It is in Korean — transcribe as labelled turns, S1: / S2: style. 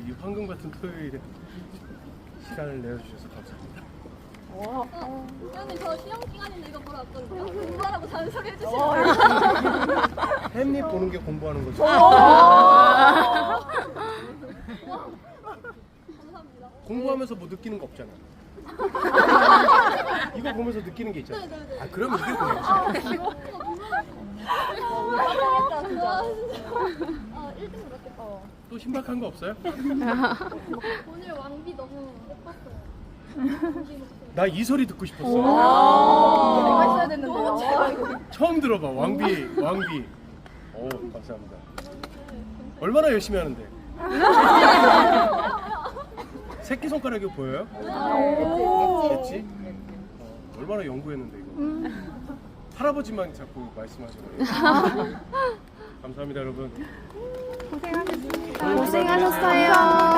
S1: 이 황금 같은 토요일에 시간을 내어주셔서 감사합니다.
S2: 형님 저 시험 기간인데 이거 보러 왔거든요. 공부하라고 잔소리 해주시면
S1: 햄릿 보는 게 공부하는 거죠.
S2: 감사합니다.
S1: 공부하면서 뭐 느끼는 거 없잖아. 이거 보면서 느끼는 게 있잖아. 아, 그럼 이게 뭐야?
S2: 감사합니다. 진짜. 1등 그렇겠다.
S1: 또 신박한 거 없어요?
S2: 오늘 왕비 너무 예뻤어요.
S1: 나 이 소리 듣고 싶었어.
S2: 내가 있어야 됐는데요.
S1: 처음 들어봐. 왕비. 오, 감사합니다. 얼마나 열심히 하는데? 새끼손가락이 보여요? 됐지? 얼마나 연구했는데 이거. 할아버지만 자꾸 말씀하시네요. 감사합니다 여러분.
S3: 고생하셨어요.